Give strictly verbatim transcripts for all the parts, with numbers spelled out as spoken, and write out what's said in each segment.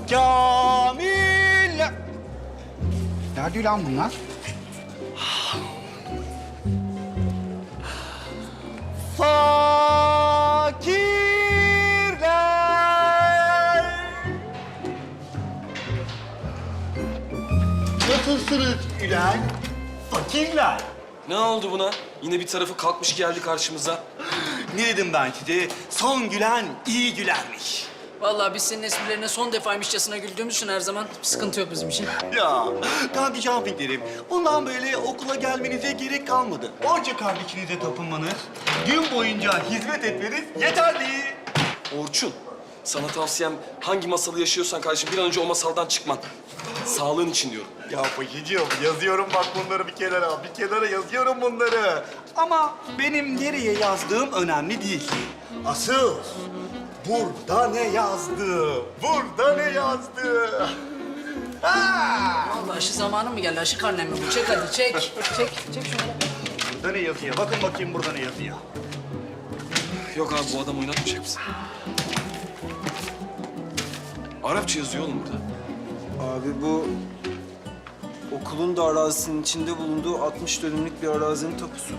Kamil. Nerede lan bunlar? Fakirler. Nasılsınız Gülen? Fakirler. Ne oldu buna? Yine bir tarafı kalkmış geldi karşımıza. Ne dedim ben size? Son gülen iyi gülermiş. Vallahi biz senin esprilerine son defaymışçasına güldüğümüz için her zaman bir sıkıntı yok bizim için. Ya Gandhi Jumping'lerim, bundan böyle okula gelmenize gerek kalmadı. Onca kardeşinize tapınmanız, gün boyunca hizmet etmeniz yeterli. Orçun, sana tavsiyem hangi masalı yaşıyorsan kardeşim bir an önce o masaldan çıkman. Sağlığın için diyorum. Ya paşacığım, yazıyorum bak bunları bir kenara, bir kenara yazıyorum bunları. Ama benim nereye yazdığım önemli değil. Asıl burada ne yazdı, burada ne yazdı. Ha! Vallahi aşı zamanı mı geldi? Aşı karnem mi bu? Çek hadi çek. Çek, çek şunu. Burada ne yazıyor? Bakın bakayım burada ne yazıyor. Yok abi bu adam oynatmayacak bizi. Arapça yazıyor oğlum burada. Abi bu okulun da arazisinin içinde bulunduğu altmış dönümlük bir arazinin tapusu.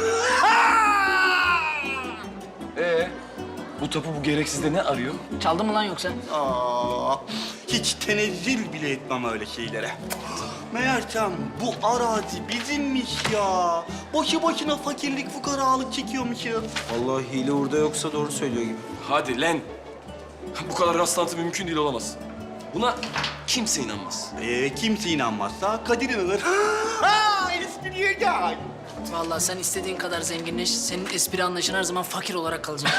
Ee, bu tapu bu gereksizde ne arıyor? Çaldın mı lan yoksa? Aa, hiç tenezzül bile etmem öyle şeylere. Meğersem bu arazi bizimmiş ya. Boşu boşuna fakirlik, fukaralık çekiyormuşuz. Vallahi hile orada yoksa doğru söylüyor gibi. Hadi lan. Bu kadar rastlantı mümkün değil olamaz. Buna kimse inanmaz. Ee, kimse inanmazsa Kadir inanır. Ha, espriye gel. Vallahi sen istediğin kadar zenginleş, senin espri anlayışın her zaman fakir olarak kalacak.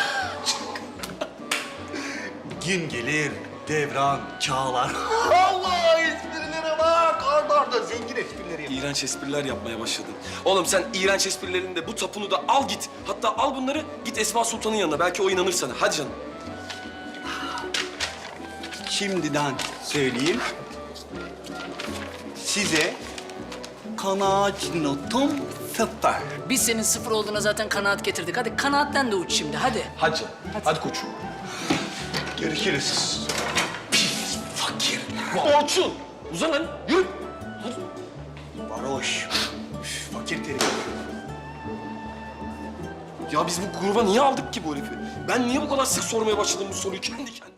Gün gelir, devran çağlar. Allah esprilere bak. Arda arda zengin esprileri yap. İğrenç espriler yapmaya başladın. Oğlum sen iğrenç esprilerini de bu tapunu da al git. Hatta al bunları git Esma Sultan'ın yanına. Belki o inanır sana. Hadi canım. Şimdiden söyleyeyim. Size kanaat notum sıfır. Biz senin sıfır olduğuna zaten kanaat getirdik. Hadi kanaatten de uç şimdi, hadi. Hadi canım. Hadi, koçum. Görüşürüz. Pis fakir. Orçun! Uzan lan. Yürü. Hadi. Varoş. Üf, fakir terim. Ya biz bu gruba niye aldık ki bu herifi? Ben niye bu kadar sık sormaya başladım bu soruyu kendi kendime?